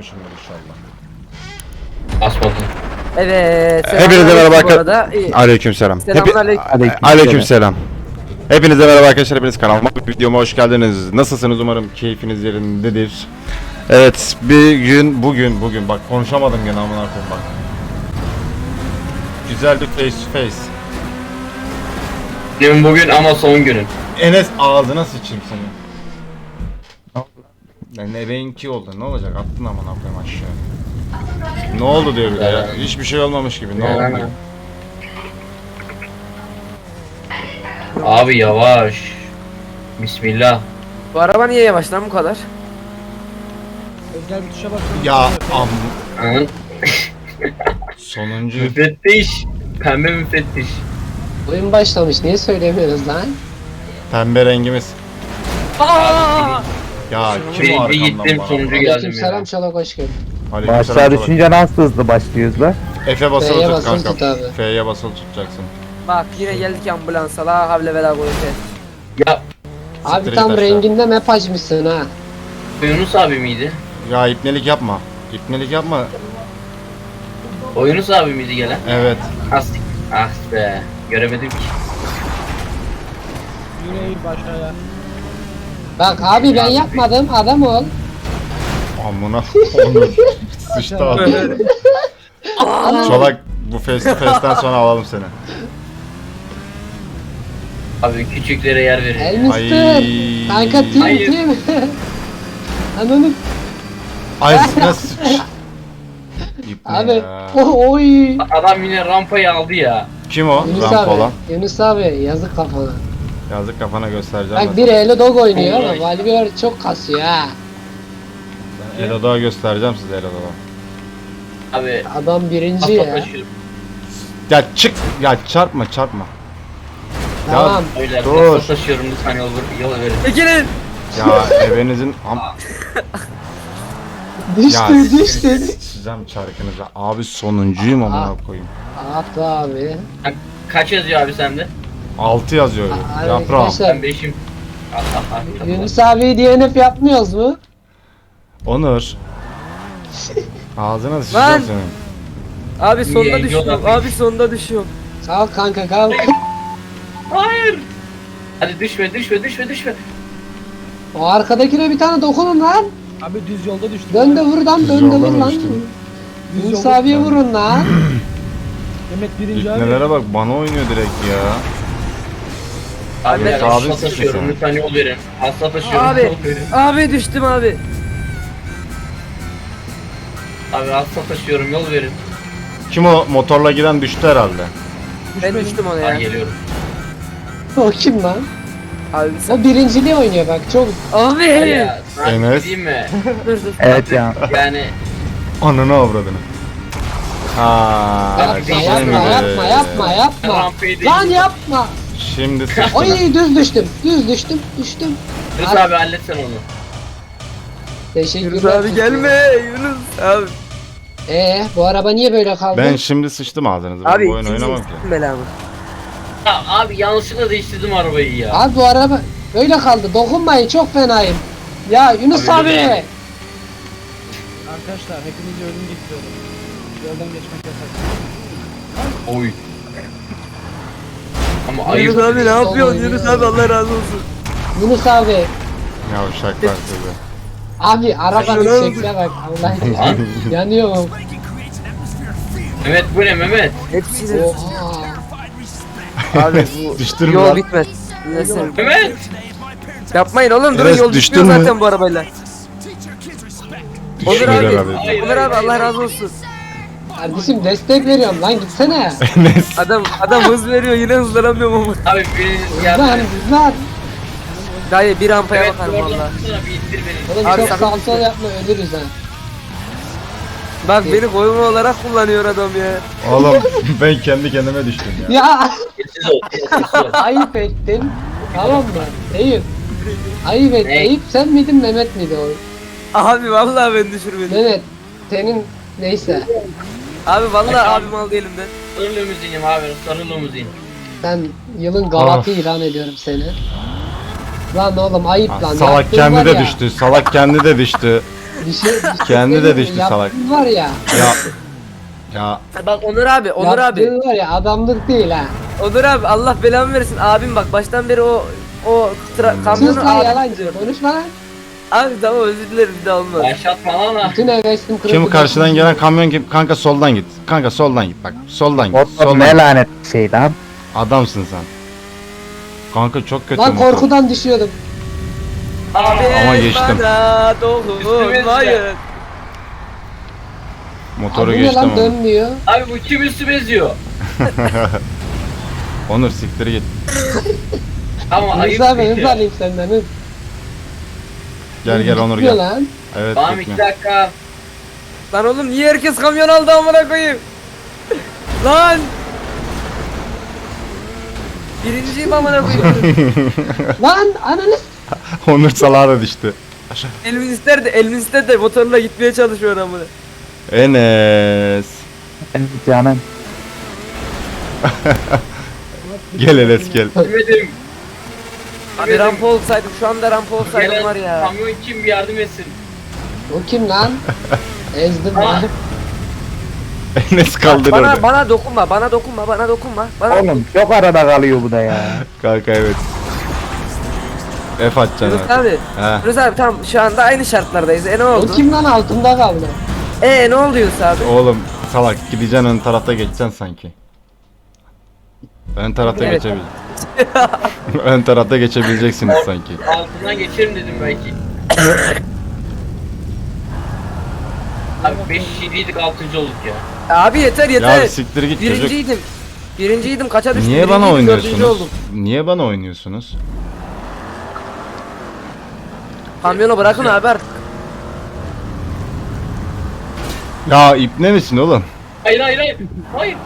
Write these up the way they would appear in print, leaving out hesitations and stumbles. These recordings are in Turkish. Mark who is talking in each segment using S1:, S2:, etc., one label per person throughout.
S1: basmamışımdır inşallah.
S2: Basmadın.
S3: Evet.
S1: Hepinize merhaba arkadaşlar.
S3: arkadaşlar.
S1: Aleykümselam.
S3: Selamünaleyküm.
S1: Aleykümselam. Hepinize merhaba arkadaşlar. Hepiniz kanalıma, videoma hoş geldiniz. Nasılsınız? Umarım keyfiniz yerindedir. Evet, bugün bak konuşamadım gene amına koyayım bak. Güzel bir face to face.
S2: Dün bugün ama son günün.
S1: Enes ağzına sıçayım seni. Ne ebeğinki oldu. Ne olacak? Attın amına koyayım aşağı. Ne oldu diyor bir de ya. Hiçbir şey olmamış gibi. Ne oldu diyor.
S2: Abi yavaş. Bismillah.
S3: Bu araba niye yavaş lan bu kadar?
S4: Özel bir tuşa basıyorum.
S1: Ya am
S2: Anın.
S1: sonuncu.
S2: Müfettiş. Pembe müfettiş.
S5: Oyun başlamış, niye söylemiyoruz lan?
S1: Pembe rengimiz. Ya kim o
S2: Birinci
S1: arkamdan
S2: gittim
S1: bana?
S2: sonuncu geldim
S5: Aleykümselam,
S2: ya.
S5: Çolak hoş geldin.
S1: Aleykümselam.
S6: Başlar düşünce nasıl hızlı başlıyoruz la?
S1: F'ye basılı
S5: F'ye
S1: tut
S5: basılı
S1: kanka.
S5: tut abi.
S1: F'ye basılı tutacaksın.
S3: Bak yine geldik ambulansa la havle vela kuvvete.
S2: Ya
S5: Abi
S1: Siktir
S5: tam
S1: git aşağı.
S5: renginde map açmışsın ha.
S2: Yunus abi miydi?
S1: Ya ipnelik yapma. İpnelik yapma.
S2: O Yunus abi miydi gelen?
S1: Evet.
S2: Astik. Ah be. Göremedim ki.
S4: Yine eğil başaya.
S5: Bak abi ben yapmadım, adam ol.
S1: Amına onu sıçtı adam. Çolak bu face to face'ten sonra alalım seni.
S2: Abi küçüklere yer verin.
S5: Elmister.
S1: Ay.
S5: Kanka
S2: Hayır.
S5: team. Ananı
S1: Ay nasıl sıç. İpne
S5: abi.
S1: ya.
S5: Oy.
S2: Adam yine rampayı aldı ya.
S1: Kim o?
S5: Yunus
S1: Ramp
S5: abi.
S1: olan.
S5: Yunus abi yazık kafana.
S1: Yazık kafana göstereceğim.
S5: Bak bir Elo Dog oynuyor
S2: Oy.
S5: ama Valvior çok kasıyor ha.
S1: Elo'da göstereceğim size Elo'da.
S2: Abi.
S5: Adam birinci
S2: Asla
S5: ya.
S2: taşıyorum.
S1: Ya çık ya çarpma.
S5: Tamam.
S2: Öyle
S1: Dur.
S2: asla taşıyorum lütfen yol verin.
S3: Çekilin.
S1: Ya evinizin
S5: Düştü düştü.
S1: Sizem çarkınıza. Abi sonuncuyum amına koyayım.
S5: At abi.
S2: Kaç yazıyor abi sende?
S1: 6 yazıyor.
S5: Abi
S1: Yaprağım.
S5: arkadaşlar,
S2: Ben 5'im. Allah Allah.
S5: Yunus abi DNF yapmıyoruz mu?
S1: Onur. Ağzına sıçacağım
S3: Lan!
S1: senin.
S3: Abi sonda
S2: Niye?
S3: düşüyorum.
S2: Yol
S3: Abi sonda düşüyorum.
S5: Kalk kanka kalk.
S2: Hayır. Hadi düşme.
S5: O arkadakine bir tane dokunun lan.
S4: Abi düz yolda düştüm.
S5: Dön de vur lan,
S1: Düz
S5: dön de
S1: yoldan
S5: vur lan.
S1: düştüm.
S4: Düz
S5: Yunus
S4: yolda.
S5: abiye vurun lan.
S4: Mehmet birinci abi.
S1: İpnelere bak bana oynuyor direkt ya.
S2: Abi
S1: Evet,
S2: ben
S1: abi
S2: hasta
S1: sıkıntı
S2: taşıyorum
S1: sen.
S2: lütfen yol verin. Hasta taşıyorum
S3: Abi.
S2: yol verin.
S3: Abi düştüm abi.
S2: Abi hasta taşıyorum yol verin.
S1: Kim o motorla giden düştü herhalde.
S3: Ben düştüm ona
S2: Ben
S3: ya.
S2: geliyorum.
S5: O kim lan?
S3: Abi sen.
S5: O birinciliği oynuyor bak çok.
S3: Abi.
S2: Hadi ya. Sana
S1: Enes.
S2: diyeyim mi?
S3: Dur dur.
S6: Evet ya.
S2: Yani
S1: Ananı avradını. Aa,
S5: Yapma
S1: şimdi-
S5: yapma.
S2: rampayı değil.
S5: Lan yapma.
S1: Şimdi sıçtın.
S5: Oy düz düştüm. Düştüm.
S2: Yunus abi halletsen onu.
S5: Teşekkürler.
S3: Yunus abi gelme Yunus abi.
S5: Bu araba niye böyle kaldı?
S1: Ben şimdi sıçtım ağzınıza. Ben
S3: Abi
S1: bu oyun oynamam ki.
S3: ikinci belamı.
S2: Ya abi yanlışlıkla değiştirdim arabayı ya.
S5: Abi bu araba böyle kaldı. Dokunmayın çok fenayım. Ya Yunus
S2: Abi,
S5: abi.
S2: öyle.
S4: Arkadaşlar hepinizi ölüm getiriyorum. Yoldan geçmek yasak.
S2: Oy. Ama ayıp.
S3: Yunus abi ne yapıyorsun
S5: Oynuyor.
S3: Yunus abi Allah razı olsun.
S5: Yunus abi.
S1: Ya uşaklar sizi.
S5: Abi arabanın
S3: Şuna
S5: şekline bak. Allah
S2: Lan.
S5: yanıyorum.
S2: Mehmet bu ne Mehmet?
S3: Hepsini.
S5: Oha.
S3: Abi bu
S1: Düştün mü
S3: yol
S1: lan?
S3: bitmez. Neyse.
S2: Mehmet.
S3: Yapmayın oğlum durun
S1: Enes,
S3: yol
S1: düştün
S3: bitmiyor
S1: mü?
S3: zaten bu arabayla. Onur
S1: Düşmedi
S3: abi.
S1: herhalde.
S2: Hayır,
S3: Onur abi
S2: hayır,
S3: Allah
S2: hayır.
S3: razı olsun.
S5: Kardeşim destek veriyorum lan gitsene.
S1: Enes.
S3: Adam hız veriyor yine hızlanamıyorum ama.
S2: Abi biriniz
S5: Lan
S2: geldi.
S5: lan.
S3: Dayı bir rampaya
S2: Evet
S3: bakarım
S2: oradan
S3: valla.
S2: tutsana bir ittir beni.
S5: Oğlum
S3: Abi
S5: çok
S3: sakın
S5: sağ
S3: gitme.
S5: sol yapma ölürüz ha.
S3: Bak beni koyma olarak kullanıyor adam ya.
S1: Oğlum ben kendi kendime düştüm ya.
S5: Ya
S2: Sessiz ol. Sessiz ol.
S5: ayıp ettin. Tamam mı? Eyüp. Ayıp et.
S2: Ne?
S5: Eyüp sen miydin Mehmet miydi o?
S3: Abi vallahi ben düşürmedim.
S5: Mehmet senin neyse.
S3: Abi vallahi abim aldı elimden.
S2: Sarı limuzinim abi. Sarı limuzin.
S5: Ben yılın galatı ilan ediyorum seni. Lan oğlum ayıp lan.
S1: Salak
S5: Yaptığın
S1: kendi
S5: var
S1: de
S5: ya.
S1: düştü. Salak kendi de düştü. Kendi de düştü salak.
S5: Yaptığın var ya.
S1: Ya
S3: Bak Onur abi, Onur abi.
S5: Yaptığın var ya adamlık değil ha.
S3: Onur abi Allah belamı versin. Abim bak baştan beri o
S5: Sus
S3: kamyonu
S5: lan
S3: abi.
S5: yalancı. Konuşma lan.
S3: Abi tamam özür dilerim bir daha olmaz.
S2: Başlatma lan ha.
S5: Bütün hevesim kırıldı.
S1: kim karşıdan gelen kamyon kim? Kanka soldan git. Kanka soldan git bak. Soldan git.
S6: Motor
S1: Soldan
S6: ne
S1: git.
S6: lanet şey lan.
S1: Adamsın sen. Kanka çok kötü
S5: Lan
S1: motor.
S5: korkudan düşüyordum.
S3: Abi
S1: Ama geçtim.
S3: bana dokunmayın.
S1: Motoru
S5: Abi bu ne
S1: geçtim
S5: lan
S1: ama.
S5: dönmüyor.
S2: Abi bu kim üstüme eziyor?
S1: Onur siktir git.
S2: Ama ayıp
S5: Hız abi
S2: bir
S5: hız
S2: şey.
S5: alayım senden hız.
S1: Gel Onur
S5: Gitmiyor
S1: gel.
S5: lan.
S1: Evet
S2: Tamam 2
S1: gitme.
S2: dakika.
S3: Lan oğlum niye herkes kamyon aldı amına koyayım? Lan! Birinciyim amına koyayım.
S5: Lan ananı
S1: Onur salağa da düştü.
S3: Elmin ister de motorla gitmeye çalışıyor amına.
S1: Enes.
S6: Evet canım.
S1: Gel Enes gel.
S2: Demedim.
S3: Abi rampa olsaydım şu anda rampa olsaydım
S2: Gelen
S3: var ya.
S2: kamyon kim bir yardım etsin.
S5: O kim lan? Ezdim lan.
S1: Enes kaldır orada.
S3: Bana dokunma, bana dokunma.
S6: Oğlum çok arada kalıyor bu da ya.
S1: Kanka evet. F atacaksın
S3: Yunus
S1: artık.
S3: abi.
S1: He.
S3: Yunus abi tamam şu anda aynı şartlardayız. Ne
S5: O
S3: oldu?
S5: kim lan altında kaldı?
S3: Ne oldu Yunus abi?
S1: Oğlum salak gideceksin ön tarafta geçeceksin sanki. Ön tarafta
S3: Evet.
S1: geçebileceksin. Ön tarafta geçebileceksiniz sanki.
S2: Altından geçerim dedim belki. Abi 5 kişiydik 6. olduk ya.
S3: Abi yeter yeter.
S1: Ya siktir git çocuk.
S3: Birinciydim kaça düştüm?
S1: Niye bana
S3: Birinciydim, dördüncü
S1: oynuyorsunuz?
S3: oldum.
S1: Niye bana oynuyorsunuz?
S3: Kamyonu bırakın abi artık.
S1: Ya ipne misin oğlum?
S2: Hayır hayır hayır. Hayır.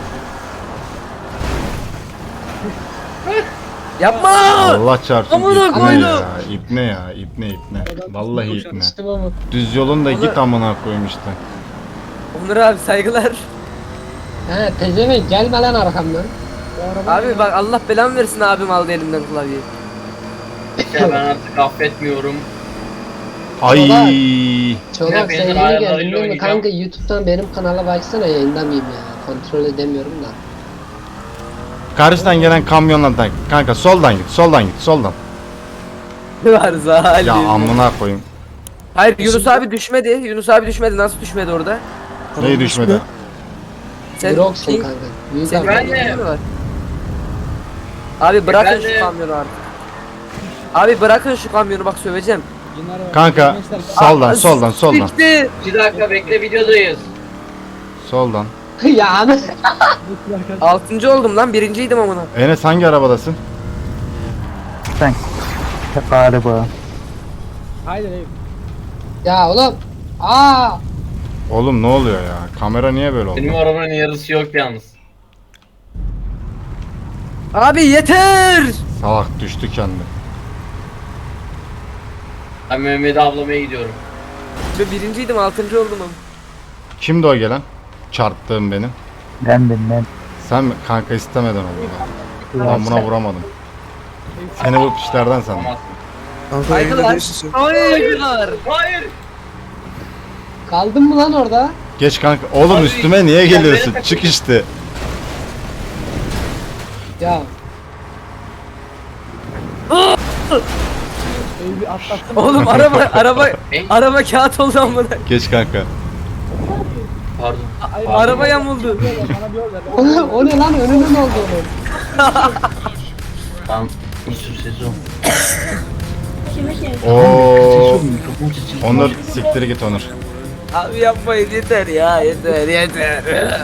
S3: Yapma!
S1: Allah çarpsın
S3: Amına
S1: ipne
S3: koydum.
S1: ya. İpne ya. İpne. Vallahi ipne.
S5: Düştüm ama.
S1: Düz yolun da git amına koyayım işte.
S3: Onur abi saygılar.
S5: He pezevenk gelme lan arkamdan.
S3: Abi bak Allah belamı versin abim aldı elimden klavyeyi.
S2: Ya ben artık affetmiyorum.
S1: Ay.
S5: Çolak
S2: Ya
S5: sen
S2: benim
S5: yeni
S2: ayarlarıyla
S5: geldin değil mi?
S2: oynayacağım.
S5: Kanka YouTube'dan benim kanala baksana yayında mıyım ya? Kontrol edemiyorum da.
S1: Karşıdan gelen kamyonla da kanka soldan git. Soldan.
S3: Var zalim.
S1: Ya amına koyayım.
S3: Hayır Yunus abi düşmedi. Yunus abi düşmedi. Nasıl düşmedi orada?
S1: Neyi düşmedi?
S5: Rocksun
S3: Pink-
S5: kanka. Büyük
S3: Senin
S5: adam.
S2: Ben de-
S3: mi var? Abi bırakın
S2: Ben de-
S3: şu kamyonu artık. Abi bırakın şu kamyonu bak söveceğim.
S4: Yunar'a bak.
S1: Kanka
S4: Gençler,
S1: soldan.
S3: Bitti.
S2: 2 dakika bekle videodayız.
S1: Soldan.
S5: ya ana.
S4: arkadaşlar.
S3: 6. oldum lan birinciydim amına.
S1: Enes hangi arabadasın?
S6: Sen galiba.
S4: Haydi haydi.
S5: Ya oğlum. Aa.
S1: Oğlum ne oluyor ya? Kamera niye böyle oldu?
S2: Benim arabanın yarısı yok yalnız.
S3: Abi yeter.
S1: Salak düştü kendi.
S2: Ben Mehmet'i avlamaya gidiyorum.
S3: Ben birinciydim 6. oldum ama.
S1: Kimdi o gelen? Çarptığım benim.
S6: Ben.
S1: Sen mi? Kanka istemeden oldu. Ben buna vuramadım. Seni bu pişlerden sandım.
S2: Tamam.
S3: Saygılar. Saygılar.
S2: Hayır.
S5: Kaldın mı lan orada?
S1: Geç kanka. Oğlum
S2: Abi,
S1: üstüme niye
S2: ya
S1: geliyorsun?
S2: beni-
S1: Çık işte.
S5: Ya.
S4: Öyle bir atlattım.
S3: Oğlum araba kağıt oldu amına.
S1: Geç kanka.
S2: Pardon.
S3: Araba yamuldu.
S4: Bana bir yol ver.
S5: O ne lan önünün oldu onun.
S2: Tamam. Usul sezon.
S1: Oo. Onur siktir git Onur.
S3: Abi yapmayın yeter ya yeter.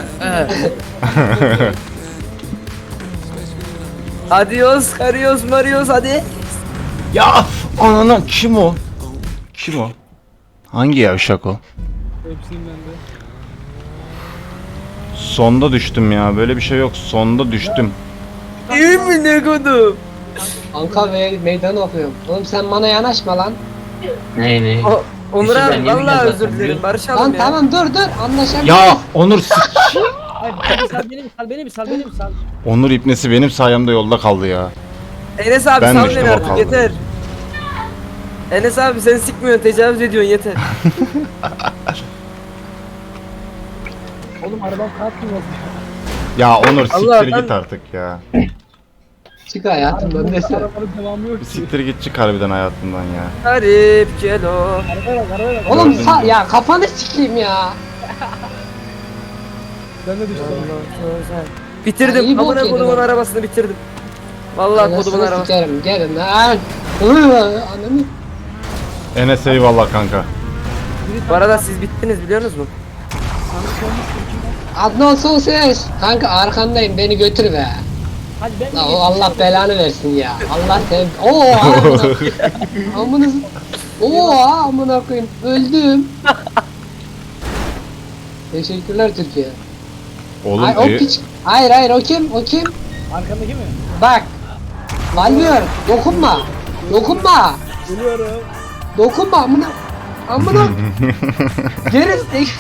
S3: Adios, karios, marios hadi.
S1: Ya anana kim o? Kim o? Hangi yavşak o?
S4: Hepsiyim ben de.
S1: Sonda düştüm ya. Böyle bir şey yok. Sonda düştüm.
S3: İyi mi ne kodum?
S5: Anka ve meydan okuyorum. Oğlum sen bana yanaşma lan.
S2: Ne?
S3: Onur
S2: İşte ben
S3: abi
S2: yemin
S3: vallahi
S2: ederim
S3: özür
S2: zaten,
S3: dilerim
S2: biliyor
S3: barışalım
S5: Lan
S3: ya.
S5: tamam dur anlaşabiliriz.
S1: Ya Onur
S4: Hayır sal beni sal.
S1: Onur ipnesi benim sayemde yolda kaldı ya.
S3: Enes abi
S1: Ben
S3: sal
S1: düştüm,
S3: beni
S1: o
S3: artık
S1: kaldı.
S3: yeter. Enes abi sen sikmiyorsun, tecavüz ediyorsun yeter.
S4: Oğlum arabam kalkmıyor.
S1: Ya Onur siktir
S3: Allah,
S1: git artık ya.
S5: Çık hayatımdan desene.
S4: Arabanın devamı yok
S1: Bir
S4: ki.
S1: siktir git çık harbiden hayatımdan ya.
S3: Garip kelo.
S4: Arabaya bak arabaya bak.
S5: Oğlum
S1: Gördün mü?
S5: ya kafanı sikeyim ya.
S4: Ben de düştüm.
S5: Ya,
S3: Bitirdim.
S5: iyi bok
S3: Amına
S5: yedin
S3: kodumun
S5: oğlum.
S3: arabasını bitirdim. Vallahi kodumun
S5: Anasını
S3: arabası.
S5: sikerim gelin lan. Ananı.
S1: Enes eyvallah kanka.
S3: Bu arada siz bittiniz biliyorsunuz mu?
S5: Adnan son ses. Kanka arkandayım beni götür be.
S4: Hadi ben
S5: La o Allah belanı versin ya. Allah sen. Oo amına. Amına. Oo amına koyayım. Öldüm. Teşekkürler Türkiye.
S1: Oğlum
S5: Ay, o piç. Hayır o kim? O kim?
S4: Arkandaki mi?
S5: Bak. Valmıyor. Dokunma. Dokunma.
S4: Geliyorum.
S5: Dokunma amına. Amına. Geri.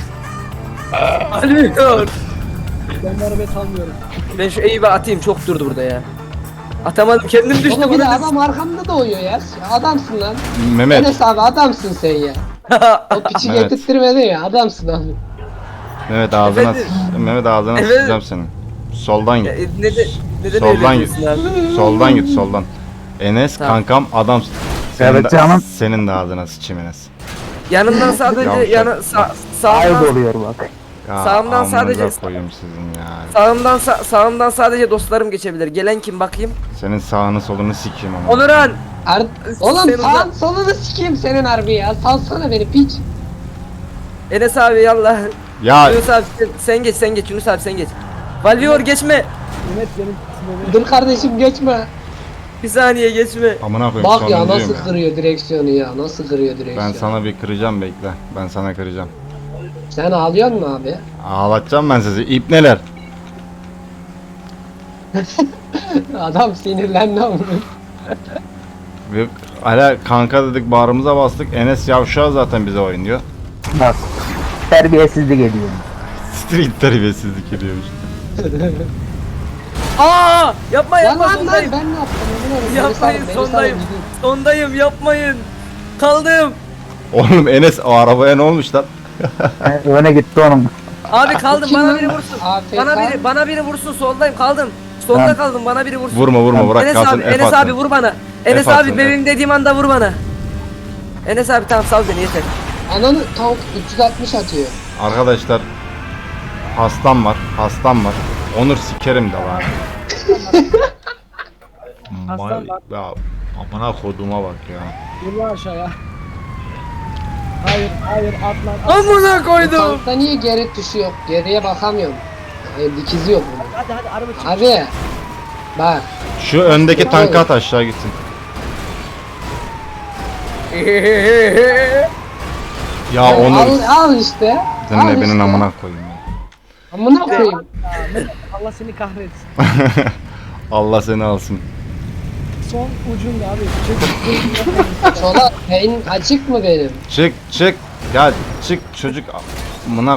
S3: Alıyor.
S4: Ben bu arabayı salmıyorum.
S3: Ben şu Eyüp'e atayım, çok durdu burada ya. Atamadım, kendim düştüm.
S5: Oğlum bir de
S3: burada.
S5: adam arkamda da uyuyor ya. Adamsın lan.
S1: Mehmet.
S5: Enes abi adamsın sen ya. O piçi
S1: Evet.
S5: getirttirmedin ya. Adamsın abi.
S1: Mehmet ağzına
S3: Efendim?
S1: Mehmet ağzına
S3: Efendim?
S1: sıçacağım senin. Soldan
S3: Ya,
S1: git.
S3: neden
S1: Soldan
S3: öyle
S1: git.
S3: diyorsun abi?
S1: Soldan git soldan. Enes
S3: Tamam.
S1: kankam adamsın.
S6: Evet canım.
S1: Senin de ağzına sıçayım Enes.
S3: Yanından sadece
S1: Yavşak.
S6: Ayıp
S3: sağımdan,
S6: oluyor bak.
S1: Ya
S3: Sağımdan
S1: amınıza
S3: sadece-
S1: koyayım sizin ya.
S3: sağımdan sadece dostlarım geçebilir. Gelen kim bakayım?
S1: Senin sağını solunu sikeyim ama.
S3: Onuran.
S5: Oğlum
S3: Sen
S5: sağ
S3: uzak.
S5: solunu sikeyim senin harbi ya. Salsana beni piç.
S3: Enes abi yallah.
S1: Ya
S3: Yunus abi sen geç Yunus abi sen geç. Valvior geçme.
S4: Mehmet benim sinirimi.
S5: Dur kardeşim geçme.
S3: Bir saniye geçme.
S1: amına koyayım
S5: Bak ya
S1: sonuncuyum
S5: nasıl kırıyor direksiyonu ya. Nasıl kırıyor direksiyonu.
S1: Ben sana bir kıracağım bekle. Ben sana kıracağım.
S5: Sen ağlıyor musun abi?
S1: Ağlatacağım ben sizi. İpneler.
S5: Adam sinirlendi ama.
S1: Ve hala kanka dedik bağrımıza bastık. Enes yavşağı zaten bize oynuyor.
S6: Bak. Terbiyesizlik ediyor.
S1: Street terbiyesizlik ediyormuş.
S3: Aa! Yapma
S5: Lan
S3: yapma
S5: lan lan
S3: sondayım.
S5: ben ne yaptım? Emin olun, beni
S3: Yapmayın
S5: salın, beni salın,
S3: sondayım.
S5: gidin.
S3: Sondayım yapmayın. Kaldım.
S1: Oğlum Enes o arabaya ne olmuş lan?
S6: Öne gitti onun.
S3: Abi kaldım,
S5: Kim
S3: bana
S5: lan?
S3: biri vursun.
S5: AFK.
S3: Bana biri vursun, soldayım kaldım. Solda
S6: Tamam.
S3: kaldım, bana biri vursun.
S1: Vurma bırak
S3: Enes
S1: kalsın
S3: abi,
S1: F
S3: Enes
S1: atsın.
S3: abi vur bana. Enes
S1: F
S3: abi
S1: atsın,
S3: benim dediğim anda vur bana. Enes abi tamam sal beni yeter.
S5: Ananı tank 360 atıyor.
S1: Arkadaşlar hastam var. Onur sikerim de var.
S4: Hastam var.
S1: Ya amına koduma bak ya.
S4: Dur lan aşağıya. Hayır atlan.
S3: Amına
S5: Bu
S3: koydum.
S5: tankta niye geri tuşu yok? Geriye bakamıyorum. Hayır dikizi yok bunun.
S4: Hadi araba çık.
S5: Abi. Bak.
S1: Şu öndeki tankı at aşağı gitsin. Ya
S5: Al,
S1: Onur
S5: al işte.
S1: senin
S5: Al
S1: ebinin
S5: işte.
S1: amına koyayım ya.
S5: Amına koyayım.
S4: Allah seni kahretsin.
S1: Allah seni alsın.
S4: Son ucunda abi. Çek.
S5: Sola beyin açık mı benim?
S1: Çık. Ya çık çocuk amına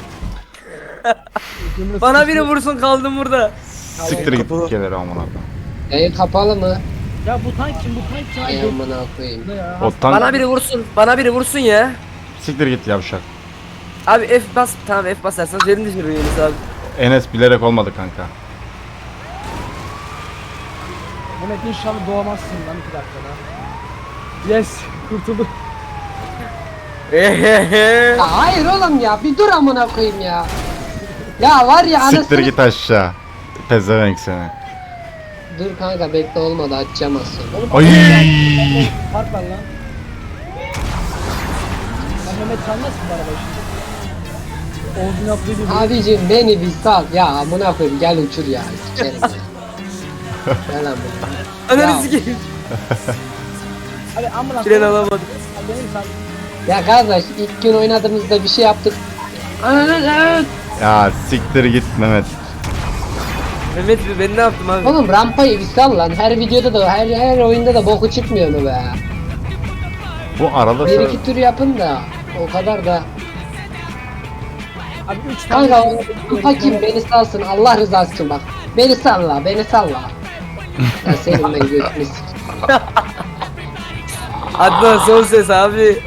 S3: Bana biri vursun, kaldım burada.
S1: siktir git keleri amına koyayım.
S5: Yayın kapalı mı?
S4: Ya bu tank kim? Bu tank kim?
S5: Ay amına koyayım.
S4: Ne ya?
S1: O tank
S3: Bana biri vursun ya.
S1: siktir git yavşak.
S3: Abi F bas, tamam F basarsanız yerini düşürür Yunus abi.
S1: Enes bilerek olmadı kanka.
S4: Mehmet inşallah doğamazsın lan 2 dakikada. Yes. Kurtulduk.
S5: Ya hayır oğlum ya bir dur amına koyayım ya. Ya var ya
S1: Siktir
S5: anasını.
S1: git aşağı. Pezevenk seni.
S5: Dur kanka bekle olmadı açacağım az sonra.
S1: Ay.
S4: Fark var lan. Lan Mehmet sen nasıl bu araba şimdi? Oğuz'un yaptığı gibi.
S5: Abicim beni bir sal. Ya amına koyayım gel uçur ya. Sikerim ya. Gel amına.
S3: Ananı
S5: Ya.
S3: sikeyim.
S4: Hadi ambulans.
S3: Tren alamadım.
S4: Hadi benim sen.
S5: Ya kardeş ilk gün oynadığımızda bir şey yaptık. Evet.
S1: Ya siktir git Mehmet.
S3: Mehmet ben ne yaptım abi?
S5: Oğlum rampayı bir sal lan. Her videoda da her oyunda da boku çıkmıyor mu be?
S1: Bu arada
S5: Bir
S1: sıra...
S5: iki tur yapın da o kadar da.
S4: Abi 3 tane.
S5: Kanka o hakim beni salsın Allah rızası için bak. Beni salla beni salla. Ya senin ben götünü sikeyim.
S3: Adnan son ses abi.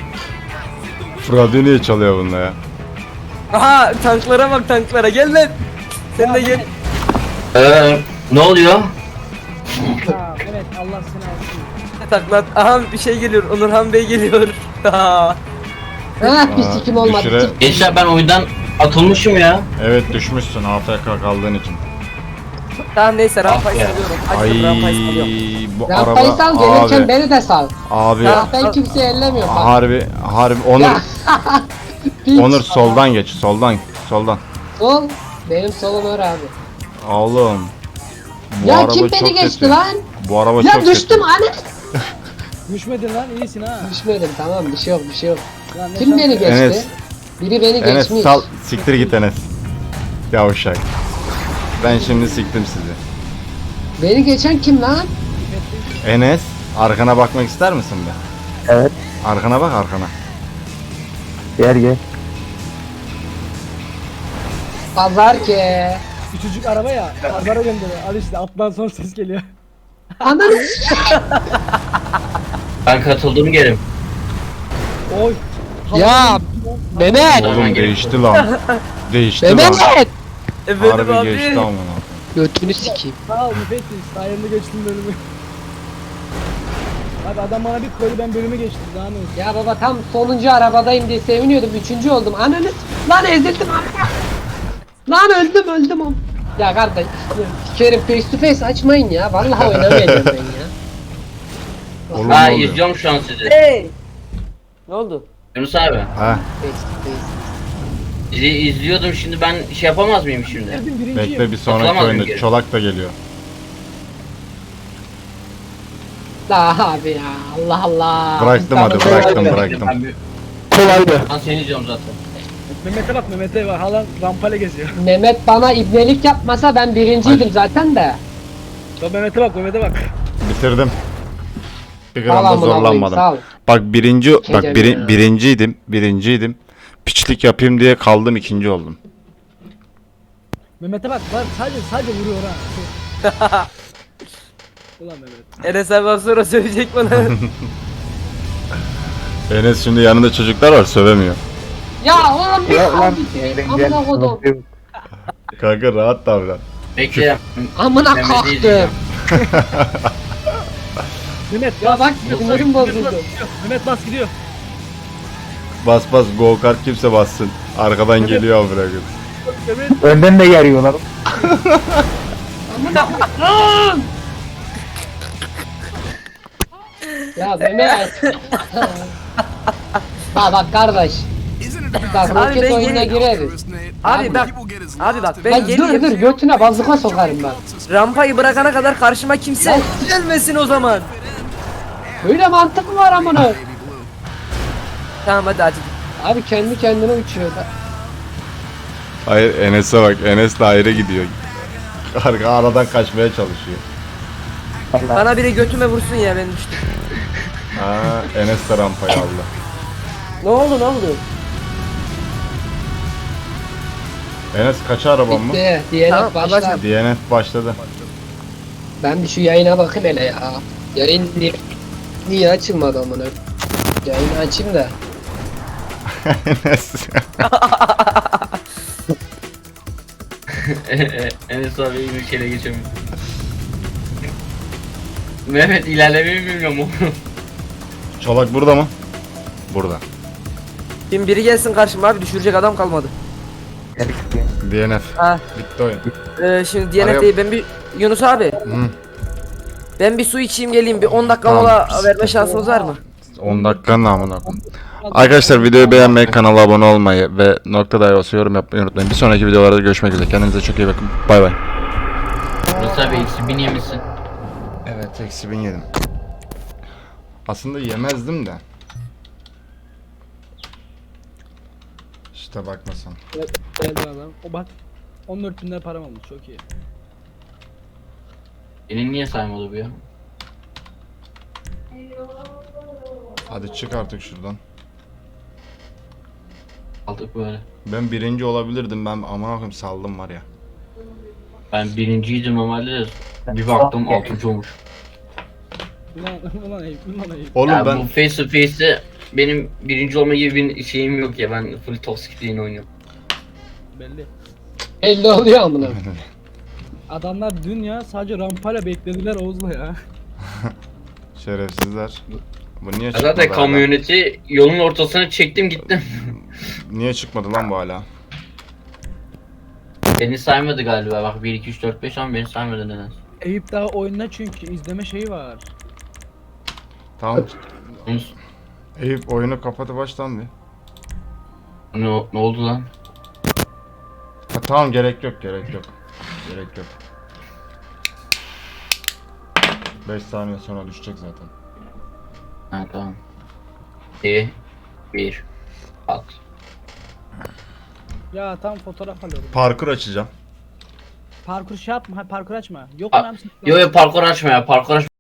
S1: Radyo niye çalıyor bunda ya?
S3: Aha tanklara bak tanklara gel lan. Sen de gel.
S2: Ne oluyor?
S4: Ha, evet Allah seni alsın.
S3: Taklat. Aha bir şey geliyor. Onurhan Bey geliyor.
S5: Ha bir sikim olmadı.
S1: düşüre-
S5: Çık.
S2: Gençler ben oyundan atılmışım ya.
S1: Evet düşmüşsün AFK kaldığın için.
S3: Tamam neyse rampayı
S2: Ah be.
S3: salıyorum.
S1: Ay
S3: Açtım rampayı salıyorum.
S1: bu
S5: Rampayı
S1: araba
S5: sal gelirken
S1: abi
S5: beni de sal.
S1: abi
S5: Ya ben kimseyi ellemiyorum bak.
S1: harbi Onur
S5: Ya. Piç.
S1: Onur soldan geç soldan
S5: Sol. Benim solum öyle abi.
S1: oğlum. Bu
S5: Ya
S1: araba
S5: kim
S1: çok
S5: beni geçti
S1: kötü.
S5: lan?
S1: Bu araba
S5: Ya
S1: çok
S5: düştüm
S1: kötü.
S5: anne.
S4: Düşmedin lan iyisin ha.
S5: Düşmedim tamam bir şey yok bir şey yok.
S4: Lan ne
S5: Kim beni
S4: şans-
S5: geçti?
S1: Enes.
S5: Biri beni
S1: Enes
S5: geçmiş.
S1: sal siktir git Enes. Yavşak. Ben şimdi siktim sizi.
S5: Beni geçen kim lan?
S1: Enes arkana bakmak ister misin be?
S6: Evet.
S1: Arkana bak arkana.
S6: Gel.
S5: Pazar ki.
S4: Küçücük araba ya. Pazara gönderiyor. Al işte alttan son ses geliyor.
S5: Ananı
S2: Ben katıldım gelim.
S4: Oy.
S5: Ya Mehmet.
S1: Oğlum değişti lan. Değişti lan.
S5: Mehmet.
S3: Efendim
S1: Harbi geçti
S3: abi.
S1: amına.
S5: Götünü sikeyim.
S4: Sağ ol müfettiş. Sayende geçtim bölümü. Abi adam bana bir koydu ben bölümü geçtim. Daha ne olsun.
S5: Ya baba tam sonuncu arabadayım diye seviniyordum. Üçüncü oldum. Ananı lan ezildim amına. Lan öldüm am. Ya kardeş. Sikerim face to face açmayın ya. Vallahi oynamayacağım ben ya.
S1: Oğlum
S2: Ha
S1: ne oluyor?
S2: izliyorum şu an sizi.
S3: Hey. Ne oldu?
S2: Yunus abi.
S1: Ha?
S5: Face to face.
S2: Sizi izliyordum şimdi ben şey yapamaz mıyım şimdi?
S4: Girdim birinciyim.
S1: Bekle bir sonraki
S2: Atlamadım
S1: oyunda
S2: geri.
S1: Çolak da geliyor.
S5: La abi ya. Allah Allah.
S1: Bıraktım hadi,
S5: İstanbul'da
S1: bıraktım,
S5: öyle.
S1: bıraktım.
S2: Ben bir-
S6: Kolaydı.
S2: Ben seni izliyorum zaten.
S4: Mehmet'e bak Mehmet'e bak. Hala rampayla geziyor.
S5: Mehmet bana ibnelik yapmasa ben birinciydim zaten de.
S4: Bak Mehmet'e bak Mehmet'e bak.
S1: Bitirdim. Bir
S5: Sağ ol
S1: gram da
S5: amına koyayım,
S1: zorlanmadım.
S5: sağ ol.
S1: Bak
S5: Kecem ya.
S1: birinciydim. Piçlik yapayım diye kaldım, ikinci oldum.
S4: Mehmet'e bak. Var sadece vuruyor ha. Ulan Mehmet.
S3: Enes abi az sonra söyleyecek bana.
S1: Enes şimdi yanında çocuklar var, sövemiyor.
S5: Ya oğlum bir
S6: Ya lan.
S5: abi. Amına kodum.
S1: Kanka rahat davran.
S2: Bekle.
S5: Amına
S2: Mehmet'i
S5: kalktım.
S2: izleyeceğim.
S4: Mehmet
S5: Ya
S4: bas.
S5: bak sinirim bozuldu.
S4: Mehmet bas gidiyor.
S1: Bas go kart kimse bassın. Arkadan geliyor amına koyayım.
S4: Mehmet.
S6: Önden de geliyorlar.
S5: Amına koydum. Ya Mehmet. Bak kardeş. Bak
S3: Abi
S5: roket
S3: ben
S5: oyununa
S3: geleyim.
S5: gireriz.
S3: Abi bak. Abi bak ben
S5: Bak dur
S3: geleyim.
S5: götüne bazuka sokarım ben.
S3: Rampayı bırakana kadar karşıma kimse gelmesin o zaman.
S5: Böyle mantık mı var amına?
S3: Tamam hadi.
S5: Abi kendi kendine uçuyor da.
S1: Hayır Enes'e bak, Enes de ayrı gidiyor. Aradan kaçmaya çalışıyor.
S3: Bana biri götüme vursun ya ben düştüm.
S1: Ha, Enes de rampayı aldı.
S5: Ne oldu?
S1: Enes kaç araban mı?
S5: Bitti. Diyelim
S3: Tamam,
S5: başla.
S3: babacım.
S1: DNF başladı.
S5: Ben bir şu yayına bakayım hele ya. Yayın niye açılmadı amına? Yayını açayım da.
S1: Enes.
S2: Enes abi iyi bir şeyle geçemiyor. Mehmet ilerlemeyi bilmiyorum oğlum.
S1: Çolak burada mı? Burada.
S3: Şimdi biri gelsin karşıma abi düşürecek adam kalmadı.
S1: DNF.
S3: Ha.
S1: Bitti oyun.
S3: Şimdi DNF değil ben bir Yunus abi.
S1: Hı.
S3: Ben bir su içeyim geleyim bir 10 dakika
S1: Tamam.
S3: mola verme şansınız var mı?
S1: 10 dakikanın amına koyayım. Arkadaşlar videoyu beğenmeyi, kanala abone olmayı ve nokta dahi olsa yorum yapmayı unutmayın. Bir sonraki videolarda görüşmek üzere. Kendinize çok iyi bakın. Bay bay.
S2: Yunus abi eksi 1000 yemişsin.
S1: Evet, eksi 1000 yedim. Aslında yemezdim de. İşte bakmasan.
S4: Geldi adam. O bak. 14 bin lira param olmuş çok iyi.
S2: Senin niye saymadı bu ya?
S1: Hadi çık artık şuradan.
S2: Aldık böyle.
S1: Ben birinci olabilirdim, ben aman koyayım saldım var ya.
S2: Ben birinciydim normalde de bir baktım 6. olmuş.
S4: Ulan Eyüp, ulan Eyüp.
S1: Oğlum
S2: Ya
S1: ben
S2: bu face to face'te benim birinci olma gibi bir şeyim yok ya. Ben full toxic lane oynuyorum.
S4: Belli.
S5: Belli oluyor amına.
S4: Adamlar dün ya sadece rampayla beklediler Oğuz'la ya.
S1: şerefsizler. Bu niye
S2: Ya
S1: çıkmadı
S2: zaten
S1: hala?
S2: kamyoneti yolun ortasına çektim gittim.
S1: Niye çıkmadı lan bu hala?
S2: Beni saymadı galiba. Bak 1 2 3 4 5 ama beni saymadı neden?
S4: Eyüp daha oyunda çünkü izleme şeyi var.
S1: Tamam. Eyüp oyunu kapatıp baştan bir.
S2: Ne oldu lan?
S1: Ha, tamam gerek yok gerek yok. Gerek yok. 5 saniye sonra düşecek zaten.
S2: Ha tamam. 2 1 at.
S4: Ya tam fotoğraf alıyorum.
S1: Parkur açacağım.
S4: Parkur şey yapma, parkur açma. Yok mu
S2: Yo yo parkur açma ya parkur açma.